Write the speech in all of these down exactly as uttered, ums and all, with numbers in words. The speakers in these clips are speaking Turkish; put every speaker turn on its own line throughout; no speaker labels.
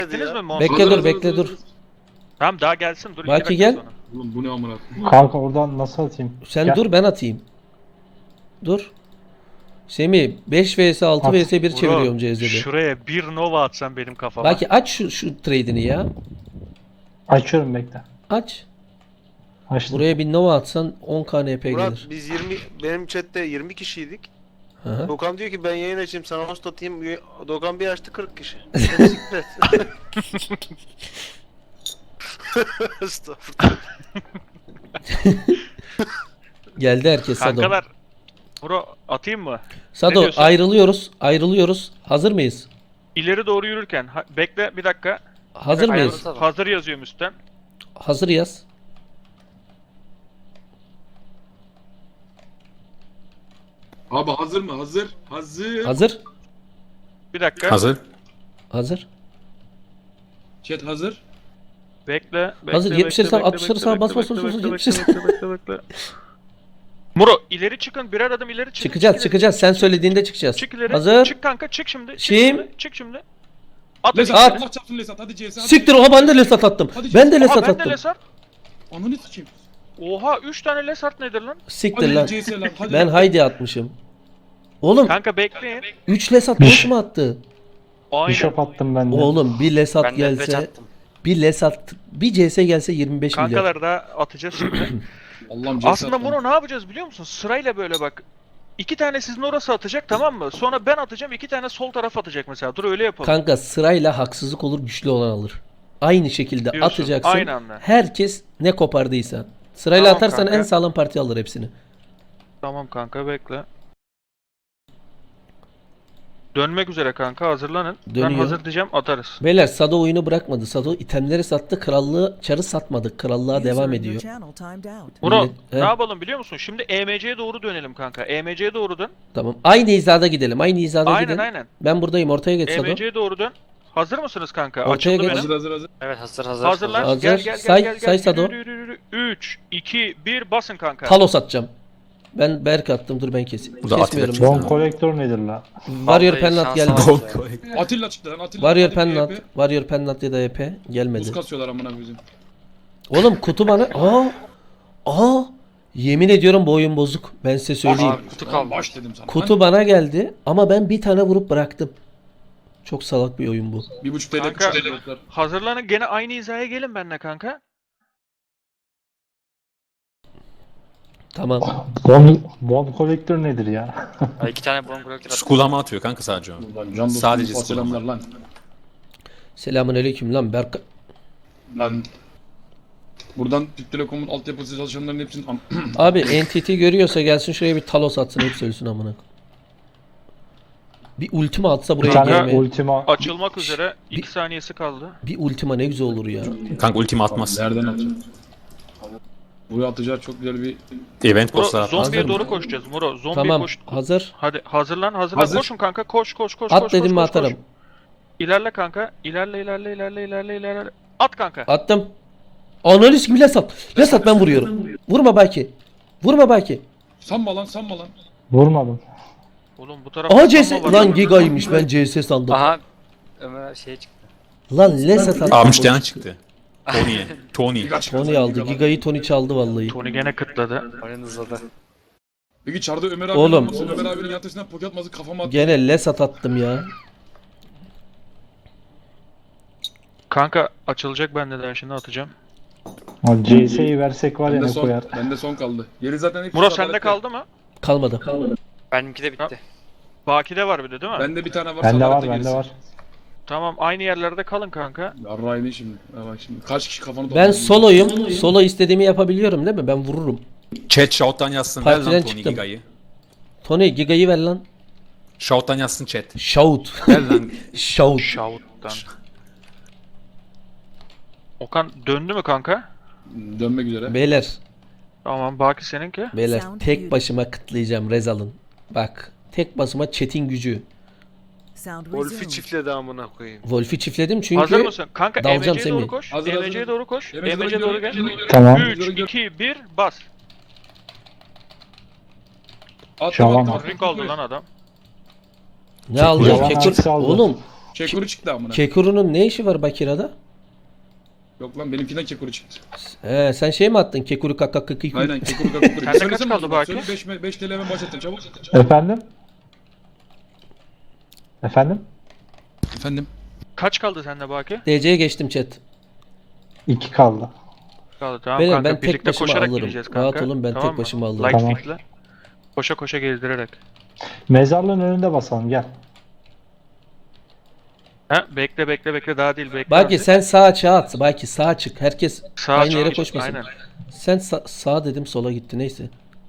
Gittiniz mi Monster?
Bekle
Hazır,
dur bekle
hazır,
dur.
hazır.
Tamam daha gelsin dur. iki
Baki
dakika
gel.
sonra.
Oğlum bu ne amına?
Kanka oradan nasıl atayım?
Sen
Gel.
dur ben atayım. Dur. Semih beş vs altı
At.
vs bir
Bro,
çeviriyorum C Z'de.
Şuraya bir Nova atsan benim kafama.
Baki aç şu, şu trade'ini ya.
Açıyorum bekle.
Aç.
Açtım.
Buraya bir Nova atsan on K N P
Murat
gelir.
biz yirmi benim chatte yirmi kişiydik.
Hı hı.
Doğukan diyor ki ben yayın açayım sana host atayım. Doğukan bir açtı kırk kişi. Siklet. Estağfurullah.
Geldi herkes Sado.
Kankalar. Bro atayım mı? Ne
Sado
diyorsun?
ayrılıyoruz. Ayrılıyoruz. Hazır mıyız?
İleri doğru yürürken. Ha, bekle bir dakika.
Hazır mıyız?
Hazır, hazır yazıyorum üstten.
Hazır yaz.
Abi hazır mı? Hazır. Hazır.
Hazır.
Bir dakika.
Hazır.
Hazır.
Chat hazır.
Bekle. bekle
Hazır,
bekle,
yetmişleri sağ,
bekle,
altmışları
bekle,
sağa,
bekle,
bas, bas,
bekle,
bas, bas,
bekle,
yetmişleri
bekle, bekle, bekle, bekle. Muro ileri çıkın birer adım ileri çıkın.
Çıkacağız
çık ileri.
çıkacağız. Sen söylediğinde çıkacağız.
Çık ileri.
Hazır.
Çık kanka çık şimdi. Çık
Şimdi.
şimdi. Çık şimdi. At.
Lesat
At.
Allah çarpsın Lesat. Hadi C S. hadi.
Siktir oha ben de lesat attım.
Hadi
Ben de
canım.
Oha
lesat
ben de
attım.
Lesart.
Ananı sikeyim.
Oha üç tane Lesart nedir lan?
Siktir
Hadi
lan.
C S lan. Hadi
Ben
lan.
haydi atmışım. Oğlum
Kanka bekleyin.
üç lesat boş mu attı?
Aynen.
Bishop attım ben de.
Oğlum bir lesat
Ben de beş
gelse,
attım.
bir lesat, bir C S gelse yirmi beş milyon.
Kankaları da atacağız şimdi.
Allah'ım C S
Aslında
at lan.
Muro ne yapacağız biliyor musun? Sırayla böyle bak. İki tane sizin orası atacak tamam mı? Sonra ben atacağım iki tane sol taraf atacak mesela. Dur öyle yapalım.
Kanka sırayla haksızlık olur güçlü olan alır. Aynı şekilde
Diyorsun,
atacaksın.
aynı anda.
Herkes ne kopardıysa. Sırayla
Tamam
atarsan
kanka.
en sağlam parti alır hepsini.
Tamam kanka bekle. Dönmek üzere kanka hazırlanın.
Dönüyor.
Ben hazır diyeceğim atarız.
Beyler Sado oyunu bırakmadı. Sado itemleri sattı. Krallığı çarı satmadık. Krallığa devam ediyor.
Muro
Millet-
ne
He.
yapalım biliyor musun? Şimdi E M C'ye doğru dönelim kanka. E M C'ye doğru dön.
Tamam. Aynı hizada gidelim. Aynı hizada
Aynen
gidelim.
aynen.
Ben buradayım. Ortaya geç
E
Sado.
M C'ye doğru dön. Hazır mısınız kanka?
Ortaya
Açıldı
geç.
benim.
Hazır hazır hazır.
Evet hazır hazır.
Hazırlan.
Hazır.
Gel gel gel
Say-
gel. gel.
say Sado.
Yürü, yürü, yürü. üç, iki, bir basın kanka.
Talos atacağım. Ben Berk attım. Dur ben keseyim.
Burada
Kesmiyorum.
Atilla
Bon kolektör nedir la?
Warrior
Vallahi
Pennant
şans
geldi.
alamadım.
Atilla çıktı lan Atilla.
Warrior
Hadi
Pennant.
E P.
Warrior Pennant ya da E P gelmedi.
Buz kasıyorlar amına koyayım.
Oğlum kutu bana... Aa! Aa! Yemin ediyorum bu oyun bozuk. Ben size söyleyeyim.
Abi kutu
Lan
kaldı.
baş dedim sana.
Kutu bana geldi ama ben bir tane vurup bıraktım. Çok salak bir oyun bu.
Lan bir buçuk T L
Kanka.
üç T L.
Hazırlanın gene aynı hizaya gelin benimle kanka.
Tamam.
Bon, bon kolektör nedir ya?
Ha, İki tane bomb bırakır attım.
Skulama atıyor kanka sadece o.
Lan can dostum,
Sadece
Sadece selamlar
skulama.
lan.
Selamünaleyküm lan Berk.
Lan. Buradan Türk Telekom'un altyapısı çalışanların hepsinin am-
Abi N T T görüyorsa gelsin şuraya bir Talos atsın hepsi ölsün amına. Bir ultima atsa
Bir
buraya
tane
gelmeye.
ultima
Açılmak üzere.
Bir-
iki saniyesi kaldı.
Bir ultima ne güzel olur ya.
Kanka ultimi atmaz.
Nereden atacak? Buraya atacağı çok güzel bir...
Event
Muro
bosslar atmaz.
zombiye
Hazır
doğru
mı?
koşacağız. Muro zombiye
Tamam
koş.
hazır.
Hadi hazırlan hazırlan.
Hazır.
Koşun kanka koş koş koş.
At
koş,
dedim
koş,
mi
koş,
atarım.
koş. İlerle kanka. İlerle ilerle ilerle ilerle ilerle. At kanka.
Attım. Analiz gibi lesat. Lesat ben vuruyorum. Vurma belki. Vurma belki.
Sanma lan sanma lan.
vurmadım.
Oğlum bu tarafta
Aha C S.
sanma var
Lan
ya.
Giga'ymış ben C S sandım.
Aha. Ömer şey çıktı.
Lan lesat attım.
Aa müşteren çıktı. Tony. Tony.
Tony aldı. Giga'yı Tony çaldı vallahi.
Tony gene kıtladı.
Oyun hızladı.
Peki çarda Ömer abi
Oğlum.
olmasın, Ömer abinin yatışından poke atması kafama attı.
Gene lesat attım ya.
Kanka açılacak bende de şimdi atacağım.
O C S'yi versek var ya
Bende
ne
son,
koyar.
bende son kaldı. Geri zaten hepsi
Muro
adaletli.
sende kaldı mı?
Kalmadı.
Benimki de bitti.
Baki'de var bir de değil mi?
Bende bir tane var.
Bende var
adalette
bende
gerisi.
var.
Tamam aynı yerlerde kalın kanka.
Yarrağı ne şimdi? Ha bak şimdi. Kaç kişi kafanı
Ben
doldurdu?
soloyum. Solo istediğimi yapabiliyorum değil mi? Ben vururum.
Chat shout'tan yazsın. Ver
Partiden
lan Tony
çıktım.
Giga'yı.
Tony Giga'yı ver lan.
Shout'tan yazsın chat.
Shout.
Ver lan.
Shout.
Shout'tan. Okan döndü mü kanka?
Dönmek üzere.
Beyler.
Tamam Baki seninki.
Beyler
Sound
tek
muted.
başıma kıtlayacağım Rezal'ın. Bak. Tek başıma chat'in gücü.
Sound
Wolf'i
resumed.
çiftledi amına koyayım.
Wolf'u çiftledim çünkü
Hazır mısın? Kanka
dalacağım
E M C'ye doğru
Semih.
koş.
Hazır,
E M C'ye
hazır.
doğru koş.
E M C'ye
E M C'ye doğru gel.
Tamam.
üç, iki, bir bas.
At,
Şaban
at,
var.
at,
Ring aldı lan adam.
ne aldı?
Yalan
Kekur.
hangisi aldı?
Oğlum
Kekuru çıktı amına.
Kekuru'nun ne işi var Bakira'da?
Yok lan benimkinden kekuru çıktı.
He, sen şey mi attın? Kekuru kaka kaka kaka.
Aynen kekuru kekuru.
Sende kaç kaldı Baki?
Söyle beş T L hemen başlattın çabuk.
Efendim? Efendim?
Efendim.
Kaç kaldı sende Baki?
D C'ye geçtim chat.
İki kaldı.
Kaldı tamam
Benim,
kanka.
ben tek
Birlikte
başıma
koşarak
alırım.
gideceğiz kanka.
Rahat olun, ben
Tamam
tek
mı?
başıma alırım.
Light
Tamam.
feed'le. Koşa koşa gezdirerek.
Mezarlığın önünde basalım gel.
Ha bekle bekle bekle daha değil bekle.
Baki
artık.
sen sağa çağ at. Baki sağa çık. Herkes
Sağa
aynı
çık,
yere
çık,
koşmasın.
aynen.
Sen sa- sağa dedim, sola gitti, neyse.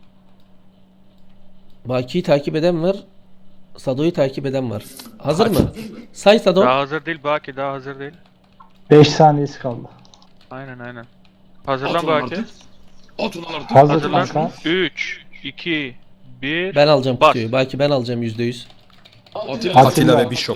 Baki'yi takip eden var. Sado'yu takip eden var. Hazır mı? Say Sado.
Daha hazır değil Baki daha hazır değil.
beş saniyesi kaldı.
Aynen aynen.
At
Hazırlan
ulan
Baki.
artık. At ulan artık.
Hazır
Hazırlan.
kanka.
üç, iki, bir.
Ben alacağım
Bas.
kutuyu. Baki ben alacağım yüzde yüz.
Atilla,
Atilla ve Bishop.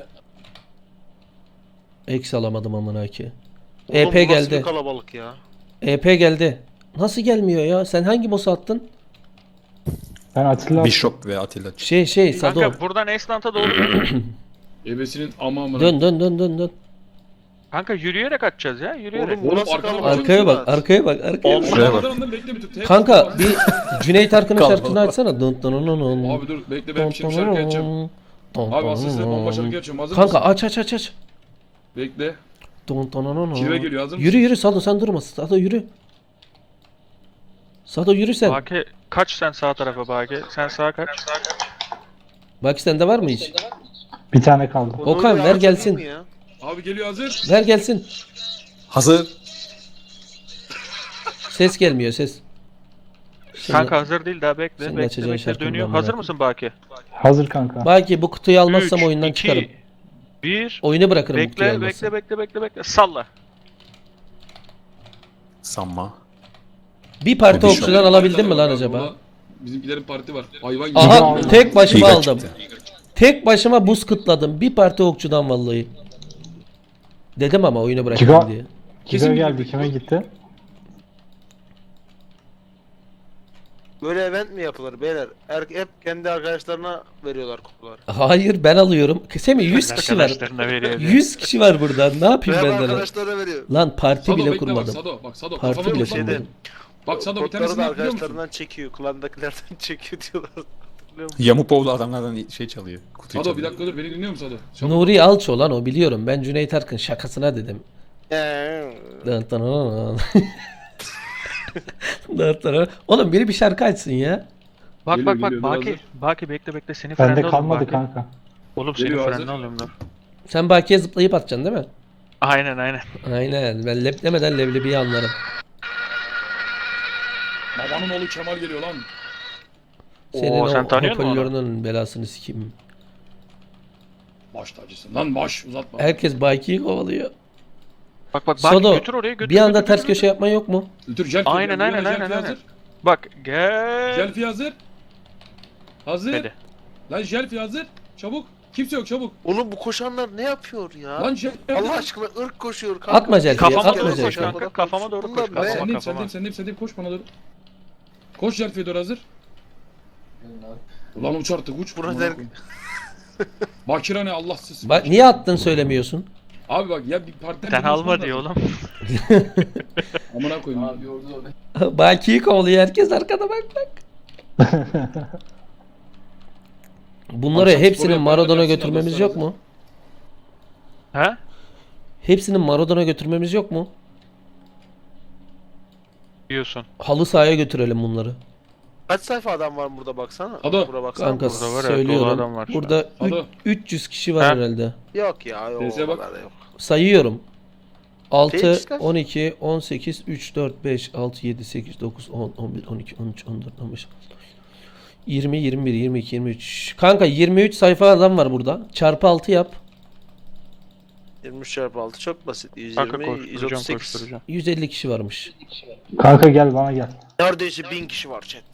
Eksi alamadım amına ki.
Oğlum,
E P
bu nasıl
geldi.
bir kalabalık ya.
E P geldi. Nasıl gelmiyor ya? Sen hangi boss'u attın?
Ben Atilla
Bishop ve Atilla.
Şey şey Sado.
Kanka buradan Esnant'a doğru dön.
Ebesinin ama amına.
Dön dön dön dön dön.
Kanka yürüyerek atacağız ya yürüyerek.
Oğlum bu nasıl
arkada
kalabalık?
Arkaya bak,
ya?
arkaya bak, arkaya bak.
Şuraya bak.
Ondan bekle bir tık. Tek-
Kanka bir Cüneyt Arkın'ın
Kalma.
şarkısını açsana. Dın dın dın dın.
Abi dur bekle ben bir şey bir şarkı açacağım. Abi aslında size bomba şarkı açıyorum. Hazır
Kanka
mısın?
aç aç aç aç.
Bekle.
Dun dun dun dun.
Kirve geliyor, hazır
Yürü
mısın?
yürü Sado, sen durma. Sado yürü. Sado yürü sen.
Baki kaç sen sağ tarafa Baki. Sen sağa kaç.
Bak sende var mı hiç?
bir tane kaldı.
Bunu
Okan,
öyle
ver
yapacak
gelsin.
mı ya?
Abi geliyor hazır.
Ver gelsin.
Hazır.
Ses gelmiyor ses. Şimdi-
Kanka hazır değil daha bekle.
Senin
Bekle
açacağın
bekle
şarkının
dönüyor.
amına
Hazır
koyayım.
mısın Baki?
Hazır kanka.
Baki bu kutuyu almazsam
üç,
oyundan
iki,
çıkarım.
bir.
Oyunu bırakırım bu kutuyu
Bekle
almazsam.
bekle bekle bekle bekle. Salla.
Sanma.
Bir parti
Bishop.
okçudan alabildin mi lan
Burada
acaba?
Bizimkilerin parti var. Hayvan gibi.
Aha
aldım.
tek başıma
Giga
aldım.
çıktı.
Tek başıma buz kıtladım. Bir parti okçudan vallahi. Dedim ama oyunu bırakayım
Giga-
diye.
Kesin
Giga
bir-
geldi kime gitti?
Böyle event mi yapılır beyler? Er, hep kendi arkadaşlarına veriyorlar kutuları.
Hayır ben alıyorum. Semih yüz kişi var.
Arkadaşlarına veriyor diye.
yüz kişi var burada. Ne yapayım
Veya
ben de lan?
arkadaşlarına veriyor.
Lan parti
Sado
bile
bekle bak
kurmadım.
Sado. Bak Sado
Parti
kafana
bile
vur. Sado.
kurmadım.
Bak Sado bir
Kodları
tanesini
da
biliyor musun?
arkadaşlarından çekiyor. Klandakilerden çekiyor diyorlar. Hatırlıyor musun?
Yamupoğlu adamlardan şey çalıyor. Kutuyu
Sado bir
çalıyor.
dakika dur beni dinliyor musun Sado? Çabuk.
Nuri Alço lan o, biliyorum. Ben Cüneyt Arkın şakasına dedim.
Eee.
Dın dın dın. Dın dın dın. Oğlum biri bir şarkı açsın ya.
Bak
Geliyor,
bak bak
geliyor,
Baki.
hazır.
Baki bekle bekle seni
Bende
frende alıyorum
kalmadı
Baki.
kanka.
Oğlum seni
Geliyor,
frende
hazır.
alıyorum dur.
Sen Baki'ye zıplayıp atacaksın değil mi?
Aynen aynen.
Aynen. Ben lep demeden leblebiyi anlarım.
Babanın oğlu Kemal geliyor lan.
Senin
Oo, sen
o
tanıyor musun onu?
hoparlörünün belasını sikeyim.
Baş tacısın lan baş uzatma.
Herkes Baki'yi kovalıyor.
Bak bak Baki
Sado,
götür oraya götür.
bir anda
götür,
ters
götür,
köşe yapman yok mu?
Götür Jelfi.
Aynen,
Buraya
aynen,
Jelfi
aynen,
hazır.
aynen. Bak gel.
Jelfi hazır. Hazır.
Hadi.
Lan Jelfi hazır. Çabuk. Kimse yok çabuk.
Oğlum bu koşanlar ne yapıyor ya?
Lan Jelfi hazır.
Allah aşkına ırk koşuyor kanka.
Atma Jelfi'ye,
Kafama
atma
doğru koş
Jelfi'ye.
kanka. Kafama doğru
Bunlar
koş.
ne?
Kafama
Sendeyim
kafama.
sendeyim sendeyim sendeyim koş bana doğru. Koş Jelfi'ye doğru hazır. Ulan uç artık uç.
Burada
Amına
der-
koyayım. Bakira ne Allahsız.
Bak niye attın söylemiyorsun?
Abi bak ya bir partiden
Sen
bir konuşman
alma diyor
lazım.
oğlum.
Amına koyayım. Abi
Baki'yi kovalıyor herkes arkada bak bak. Bunları
Akşam
hepsinin
spor
Maradona
yaparken
götürmemiz
hepsini
yok mu?
Ha?
Hepsinin Maradona götürmemiz yok mu?
Diyorsun.
Halı sahaya götürelim bunları.
Kaç sayfa adam var burada baksana.
Ado.
Bura baksana.
Kanka
burada var ya, dolu
söylüyorum.
adam var şu
Burada
an.
üç-
Ado.
üç yüz kişi var
Ha?
herhalde.
Yok ya yok.
Teyzeye
o
bak.
kadar da yok.
Sayıyorum. altı,
Gençler.
on iki, on sekiz, üç, dört, beş, altı, yedi, sekiz, dokuz, on, on bir, on iki, on üç, on dört, on beş, yirmi, yirmi bir, yirmi iki, yirmi üç. Kanka yirmi üç sayfa adam var burada. Çarpı altı yap.
yirmi üç çarpı altı çok basit.
Kanka
yüz yirmi, yüz
koşturacağım
otuz sekiz.
koşturacağım.
yüz elli kişi varmış.
Kanka gel bana gel.
Neredeyse bin kişi var chat.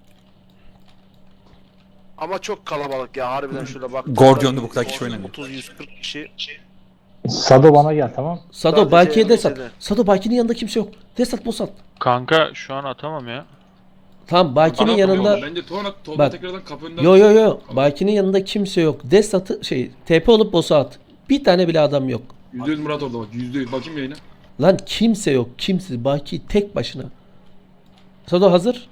Ama çok kalabalık ya harbiden şöyle bak.
Gordion'da bu kadar kişi oynamıyor.
otuz yüz kırk kişi.
Sado bana gel tamam.
Sado
Sadece
Baki'ye de sat.
lisede.
Sado Baki'nin yanında kimse yok. De sat, bos at.
Kanka şu an atamam ya.
Tamam Baki'nin
Bana
yanında.
bakıyor, Bence Tuğan Tolga
Bak.
tekrardan kapı önünden.
Yo yo yo. Baki'nin yanında kimse yok. De satı şey T P olup boss'a at. Bir tane bile adam yok.
yüzde yüz Murat orada bak. yüzde yüz. Bakayım yayına.
Lan kimse yok. Kimse. Baki tek başına. Sado hazır.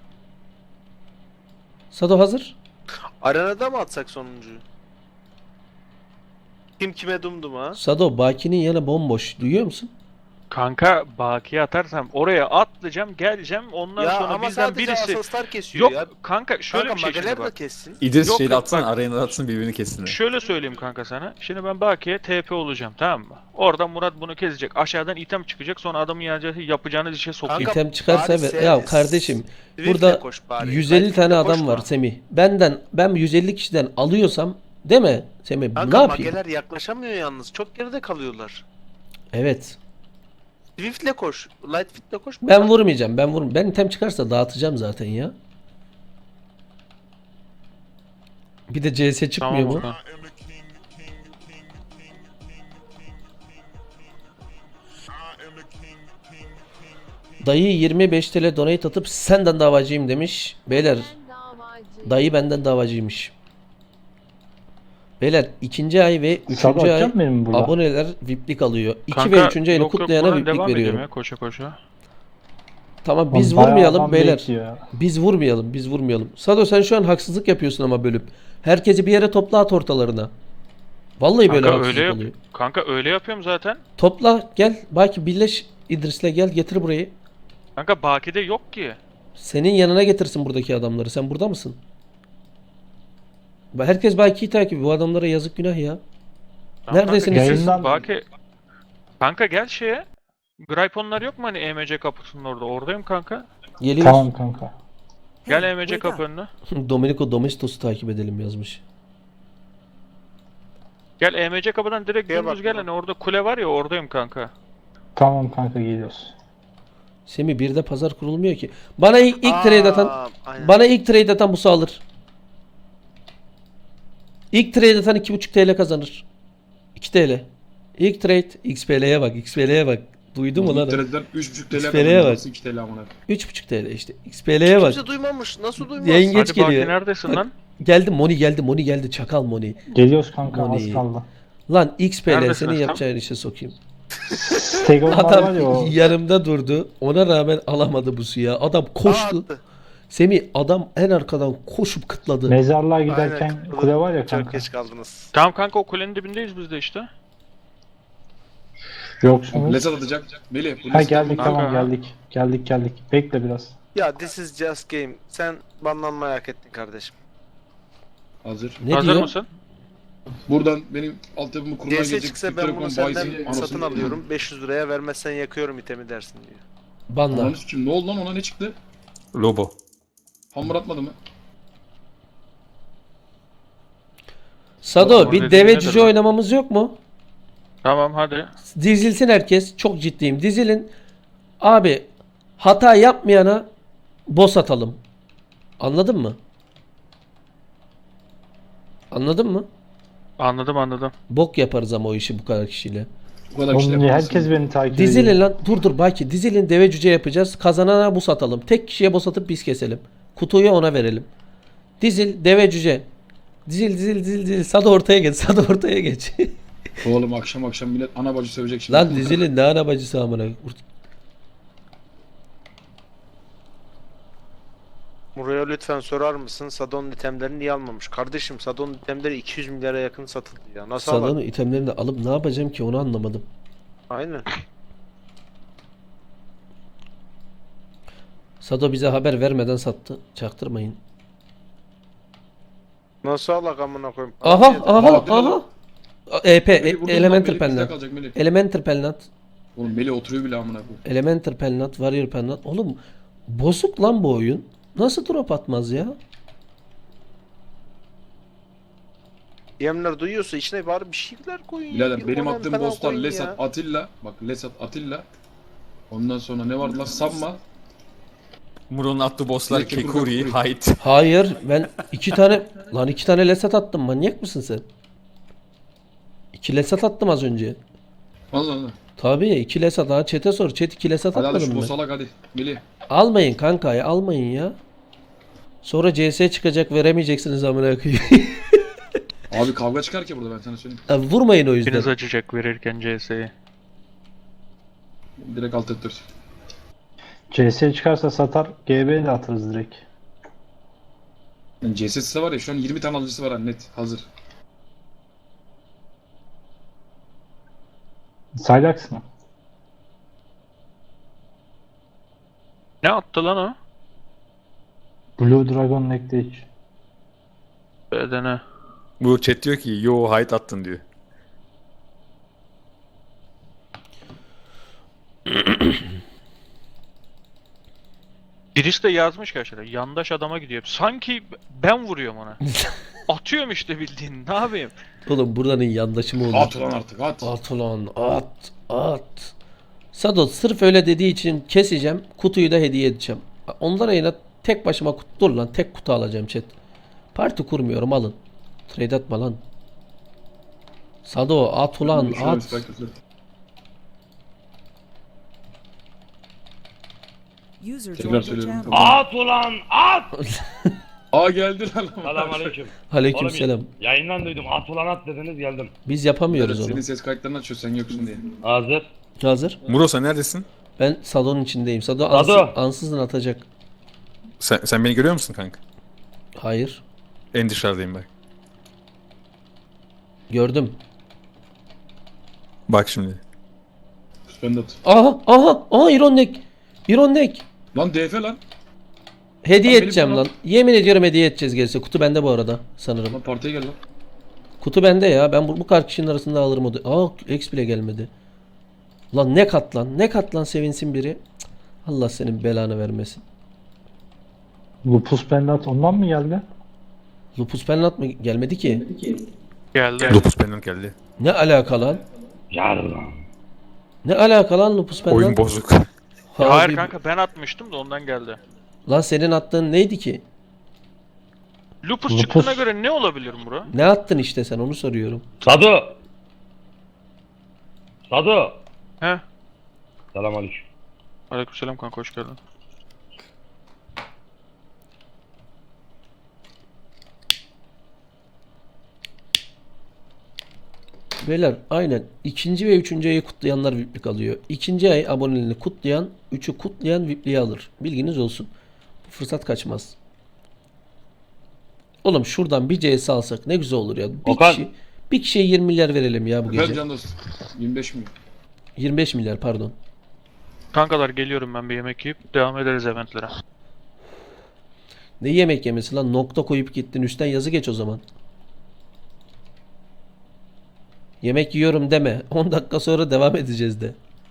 Sado hazır.
Arenada mı atsak sonuncuyu? Kim kime dumdum ha?
Sado Baki'nin yanı bomboş. Duyuyor musun?
Kanka bakiye atarsam oraya atlayacağım, geleceğim. Ondan
Ya
sonra
ama
bizden
sadece
birisi
asaslar kesiyor
yok
ya.
kanka şöyle
Kanka
bir şey şimdi
mageler de
bak.
kessin.
İdris
Yok,
şeyle
yok,
atsın,
bak.
arenada atsın, birbirini kessin.
Şöyle söyleyeyim kanka sana. Şimdi ben Baki'ye T P olacağım, tamam mı? Oradan Murat bunu kesecek. Aşağıdan item çıkacak. Sonra adamın yapacağı, yapacağınız işe sokayım.
Kanka,
İtem çıkarsa
bari
ver.
sen-
Ya kardeşim
Swift'le
burada
koş bari.
yüz elli
Light'le
tane adam
koşma.
var Semih. Benden ben yüz elli kişiden alıyorsam değil mi Semih?
Kanka
Ne yapayım?
mageler yaklaşamıyor yalnız. Çok geride kalıyorlar.
Evet.
Swift'le koş. Lightfit'le koş.
Ben vurmayacağım. Ben vurm. Ben item çıkarsa dağıtacağım zaten ya. Bir de C S çıkmıyor
Tamam
mu?
Okan.
Dayı yirmi beş T L donate atıp senden davacıyım demiş. Beyler dayı benden davacıymış. Beyler ikinci ay ve
Sado
üçüncü ay
atacak mı benim burada?
aboneler V I P'lik alıyor. iki
Kanka,
ve üçüncü ayını
yok, yok,
kutlayana
buradan
V I P'lik
devam edeyim
veriyorum.
ya, koşa koşa.
Tamam biz
Bayağı
vurmayalım
adam
beyler.
bekliyor ya.
Biz vurmayalım, biz vurmayalım. Sado sen şu an haksızlık yapıyorsun ama bölüp. Herkesi bir yere topla at ortalarına. Vallahi böyle
Kanka
haksızlık
öyle yap.
oluyor.
Kanka öyle yapıyorum zaten.
Topla gel. Belki birleş İdris'le gel getir burayı.
Kanka Baki'de yok ki.
Senin yanına getirsin buradaki adamları. Sen burada mısın? Ba- Herkes Baki'yi takip. Bu adamlara yazık günah ya.
Tamam,
Neredesiniz
kanka,
siz?
Yayından-
Baki. Kanka gel şeye. Grayponlar yok mu hani E M C kapısının orada? Oradayım kanka.
Geliyoruz.
Tamam kanka.
Gel E M C kapı önüne.
Domenico Domestos'u takip edelim yazmış.
Gel E M C kapıdan direkt
Şeye
dümdüz
bak
gel
lan.
hani orada kule var ya, oradayım kanka.
Tamam kanka geliyoruz.
Semih bir de pazar kurulmuyor ki. Bana ilk, ilk trade atan
Aa, aynen.
bana ilk trade atan bu alır. İlk trade atan iki buçuk T L kazanır. iki T L. İlk trade X P L'ye bak, X P L'ye bak. Duydun mu lan?
İnternetten üç buçuk T L
X P L'ye
kazanıyor.
bak.
iki T L amına.
üç buçuk T L işte. X P L'ye bak.
Kimse duymamış. Nasıl duymaz?
Yayın geç
Hadi Baki
geliyor.
neredesin
Bak,
lan?
Geldi Moni geldi Moni geldi çakal Moni.
Geliyoruz kanka
Moni.
az kaldı.
Lan X P L
Neredesiniz
senin
tam?
yapacağın işe sokayım.
Stegonlar var
Adam
ya o.
yanımda durdu. Ona rağmen alamadı bu suya. Adam
Aa,
koştu.
attı.
Semih adam en arkadan koşup kıtladı.
Mezarlığa giderken
Aynen.
kule var ya
Çok
kanka.
geç kaldınız.
Tamam kanka, o kulenin dibindeyiz biz de işte.
Yoksunuz.
Lesat atacak. Melih. bu
Ha
Lesat
geldik
atacak.
tamam
Kanka.
geldik. Geldik geldik. Bekle biraz.
Ya this is just game. Sen banlanmayı hak ettin kardeşim.
Hazır.
Ne
Hazır
diyor?
mısın?
Buradan benim altyapımı kurmaya
D S
gelecek.
çıksa
Türk
ben
Telekom
bunu senden
bayisinin
satın
anasını-
alıyorum. beş yüz liraya vermezsen yakıyorum itemi dersin diyor.
Banla.
Ananı sikeyim, ne oldu lan, ona ne çıktı?
Lobo.
Hamur atmadı mı?
Sado
Orada
bir
dediğin
deve
nedir
cüce
lan?
oynamamız yok mu?
Tamam hadi.
Dizilsin herkes. Çok ciddiyim. Dizilin. Abi hata yapmayana boss atalım. Anladın mı? Anladın mı?
Anladım anladım.
Bok yaparız ama o işi bu kadar kişiyle.
Bu kadar kişi
Oğlum niye
yapamazsın.
herkes beni takip ediyor.
Dizilin lan. Dur dur Baki. Dizilin deve cüce yapacağız. Kazanana boss atalım. Tek kişiye boss atıp biz keselim. Kutuyu ona verelim. Dizil deve cüce. Dizil dizil dizil dizil. Sado ortaya geç. Sado ortaya geç.
Oğlum akşam akşam millet ana bacı sövecek şimdi.
Lan dizilin ne ana bacısı amına.
Buraya lütfen sorar mısın? Sadon itemlerini niye almamış? Kardeşim Sadon itemleri iki yüz milyara yakın satıldı ya. Nasıl
Sado'nun
alalım?
itemlerini de alıp ne yapacağım ki onu anlamadım.
Aynen.
Sado bize haber vermeden sattı. Çaktırmayın.
Nasıl alak amına koyayım?
Aha
Abi,
aha
Aa, bir
aha. E P
Melih
e-
vurdun lan,
Elemental
Melih bizde
Penlant.
kalacak Melih.
Elemental Penlant.
Oğlum Melih oturuyor bile amına koyayım.
Elemental Penlant, Warrior Penlant. Oğlum bozuk lan bu oyun. Nasıl drop atmaz ya?
Yemler duyuyorsa içine bari bir şeyler koyun.
Birader
Bir
benim
onem
attığım
falan
bosslar
koyun
Lesat
ya.
Atilla. Bak Lesat Atilla. Ondan sonra ne vardı lan? Samma.
Muro'nun attığı bosslar
Lekki
Kekuri,
Kurgan.
Hyde.
Hayır ben iki tane lan iki tane lesat attım. Manyak mısın sen? İki lesat attım az önce.
Allah Allah.
Tabii iki lesat daha chat'e sor. Chat iki lesat
Hadi hadi şu
atmadım ben.
boss alak hadi. Melih.
Almayın kanka ya almayın ya. Sonra C S çıkacak veremeyeceksiniz amına koyayım.
Abi kavga çıkar ki burada ben sana söyleyeyim.
Ha, vurmayın o
Biriniz
yüzden.
açacak verirken C S'yi.
Direkt alt ettir.
C S çıkarsa satar. G B'ye de atarız direkt.
Yani C S S var ya şu an yirmi tane alıcısı var ha, net hazır.
Cylax mı?
Ne attı lan o?
Blue Dragon Nectage.
Bedene.
Bu chat diyor ki yo height attın diyor.
Birisi de yazmış ki aşağıda. Yandaş adama gidiyor. Sanki ben vuruyorum ona. Atıyorum işte bildiğin. Ne yapayım?
Oğlum buranın yandaşı mı olur?
At ulan artık at.
At ulan at at. Sadot sırf öyle dediği için keseceğim. Kutuyu da hediye edeceğim. Onlara yine tek başıma kutu dur lan. Tek kutu alacağım chat. Parti kurmuyorum alın. Trade atma lan. Sado at ulan
Şöyle bir
at.
spike atıyor.
User
Tekrar
joined your
söylüyorum.
channel.
At ulan at!
Aa geldi lan.
Selamünaleyküm.
Aleykümselam.
Oğlum, yayından duydum. At ulan at dediniz geldim.
Biz yapamıyoruz
Senin
onu.
ses kayıtlarını açıyor sen yoksun diye.
Hazır.
Hazır.
Muro sen neredesin?
Ben Sado'nun içindeyim. Sado
Sado.
ansız, ansızın atacak.
Sen, sen beni görüyor musun kanka?
Hayır.
En dışarıdayım bak.
Gördüm.
Bak şimdi.
Ben de at.
Aha aha aha Iron Neck. Iron Neck.
Lan D F lan.
Hediye
Lan benim
edeceğim
bana-
lan. Yemin ediyorum hediye edeceğiz gerisi. Kutu bende bu arada sanırım.
Lan partiye gel lan.
Kutu bende ya. Ben bu, bu kadar kişinin arasında alırım o da. Aa X bile gelmedi. Lan ne kat lan. Ne kat lan sevinsin biri. Cık, Allah senin belanı vermesin.
Lupus Pendant ondan mı geldi?
Lupus Penlat mı gelmedi ki?
Geldi.
Lupus Pendant geldi.
Ne alaka lan?
Gel ulan.
Ne alaka lan Lupus Penlat?
Oyun bozuk.
Abi,
Hayır kanka ben atmıştım da ondan geldi.
Lan senin attığın neydi ki?
Lupus
Lupus.
çıktığına göre ne olabilir bro?
Ne attın işte sen onu soruyorum.
Sado. Sado.
He?
Selamünaleyküm.
Aleykümselam kanka hoş geldin.
Beyler aynen ikinci ve üçüncü ayı kutlayanlar V I P'lik alıyor. İkinci ay aboneliğini kutlayan, üçü kutlayan V I P'liği alır. Bilginiz olsun. Bu fırsat kaçmaz. Oğlum şuradan bir C S alsak ne güzel olur ya. Bir
Okan.
kişi bir kişiye yirmi milyar verelim ya bu
Efendim
gece.
can dost. yirmi beş mi?
yirmi beş milyar pardon.
Kankalar geliyorum ben bir yemek yiyip devam ederiz eventlere.
Ne yemek yemesi lan? Nokta koyup gittin. Üstten yazı geç o zaman. Yemek yiyorum deme. on dakika sonra devam edeceğiz de.